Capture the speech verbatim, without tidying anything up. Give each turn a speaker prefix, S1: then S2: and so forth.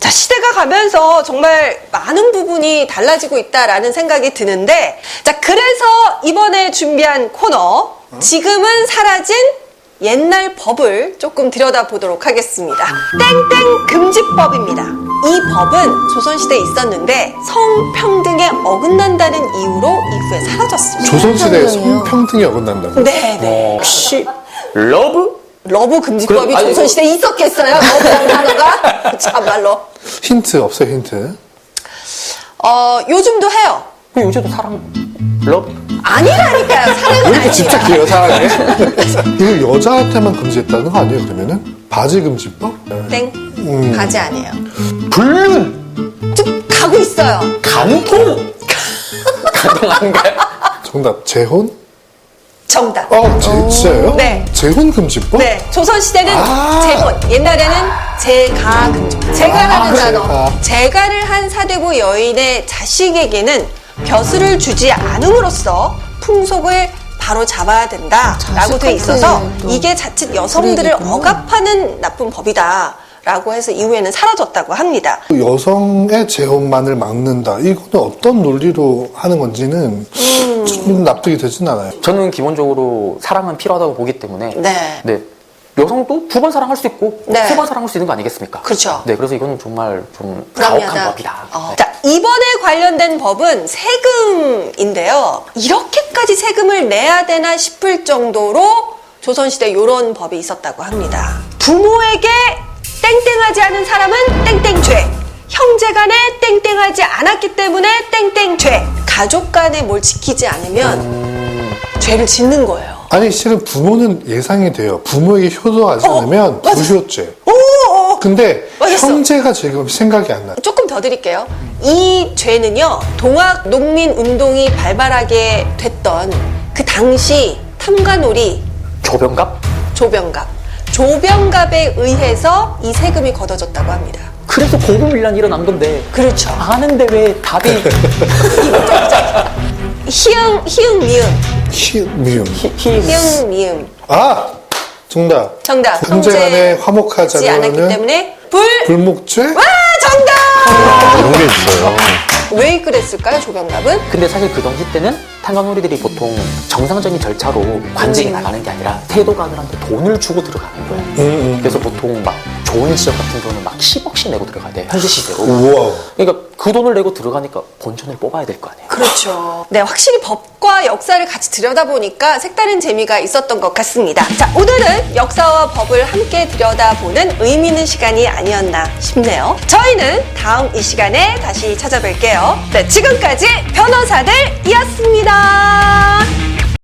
S1: 자, 시대가 가면서 정말 많은 부분이 달라지고 있다라는 생각이 드는데, 자, 그래서 이번에 준비한 코너, 지금은 사라진 옛날 법을 조금 들여다보도록 하겠습니다. 땡땡 금지법입니다. 이 법은 조선시대에 있었는데 성평등에 어긋난다는 이유로 이후에 사라졌습니다.
S2: 조선시대에 성평등이 어긋난다고?
S1: 네, 네.
S3: 혹시 러브?
S1: 러브 금지법이
S3: 그럼, 아니,
S1: 조선시대에 있었겠어요? 러브라는 단어가? 참말로.
S2: 힌트 없어요, 힌트?
S1: 어, 요즘도 해요.
S3: 그럼 요즘도 사랑 러브?
S1: 아니라니까요. 사랑은
S2: 왜 이렇게
S1: 아니에요.
S2: 집착해요, 사랑에? 이거 여자한테만 금지했다는 거 아니에요, 그러면은? 바지 금지법?
S1: 땡.
S2: 음.
S1: 바지 아니에요.
S3: 불륜?
S1: 좀 가고 있어요.
S3: 간통? 가능한가요?
S2: 정답, 재혼?
S1: 정답.
S2: 어, 제, 진짜요?
S1: 네.
S2: 재혼 금지법?
S1: 네. 조선시대는
S2: 아.
S1: 재혼. 옛날에는 재가 금지법. 재가라는
S2: 아,
S1: 단어.
S2: 재가.
S1: 재가를 한 사대부 여인의 자식에게는 벼슬을 주지 않음으로써 풍속을 바로 잡아야 된다라고 돼 있어서
S4: 또
S1: 이게 자칫 여성들을
S4: 그러겠구나.
S1: 억압하는 나쁜 법이다라고 해서 이후에는 사라졌다고 합니다.
S2: 여성의 재혼만을 막는다. 이거는 어떤 논리로 하는 건지는
S1: 음.
S2: 좀 납득이 되진 않아요.
S3: 저는 기본적으로 사랑은 필요하다고 보기 때문에
S1: 네.
S3: 네. 여성도 두 번 사랑할 수 있고
S1: 네.
S3: 세 번 사랑할 수 있는 거 아니겠습니까?
S1: 그렇죠.
S3: 네, 그래서 이거는 정말 좀 가혹한
S1: 불합리하다.
S3: 법이다.
S1: 어.
S3: 네.
S1: 자, 이번에 관련된 법은 세금인데요. 이렇게까지 세금을 내야 되나 싶을 정도로 조선시대 이런 법이 있었다고 합니다. 부모에게 땡땡하지 않은 사람은 땡땡죄. 형제 간에 땡땡하지 않았기 때문에 땡땡죄. 가족 간에 뭘 지키지 않으면
S3: 음...
S1: 죄를 짓는 거예요.
S2: 아니, 실은 부모는 예상이 돼요. 부모에게 효도하지
S1: 어,
S2: 않으면
S1: 맞아.
S2: 부효죄.
S1: 오, 오.
S2: 근데
S1: 맞았어.
S2: 형제가 지금 생각이 안 나요.
S1: 조금 더 드릴게요. 이 죄는요, 동학 농민 운동이 발발하게 됐던 그 당시 탐관오리
S3: 조병갑?
S1: 조병갑. 조병갑에 의해서 이 세금이 걷어졌다고 합니다.
S3: 그래서 고금일란이 일어난 건데
S1: 그렇죠.
S3: 아는데 왜 답이
S1: 희응, 희응, 미음.
S2: 히, 미음.
S3: 히, 히,
S1: 희응, 미음.
S2: 아! 정답.
S1: 정답.
S2: 형제 간에 화목하지
S1: 하지 않았기
S2: 않으면
S1: 때문에 불.
S2: 불목죄?
S1: 와, 정답!
S2: 그런 게 있어요.
S1: 왜 그랬을까요, 조병갑은?
S3: 근데 사실 그 당시 때는 탄광놀이들이 보통 정상적인 절차로 관직이
S1: 음.
S3: 나가는 게 아니라 태도가들한테 돈을 주고 들어가는 거예요.
S2: 음, 음.
S3: 그래서 보통 막 좋은 지역 같은 경우는 막 십억씩 내고 들어가야 돼요. 현지 시세로.
S2: 우와.
S3: 그러니까 그 돈을 내고 들어가니까 본전을 뽑아야 될 거 아니에요.
S1: 그렇죠. 네, 확실히 법과 역사를 같이 들여다보니까 색다른 재미가 있었던 것 같습니다. 자, 오늘은 역사와 법을 함께 들여다보는 의미 있는 시간이 아니었나 싶네요. 저희는 다음 이 시간에 다시 찾아뵐게요. 네, 지금까지 변호사들이었습니다.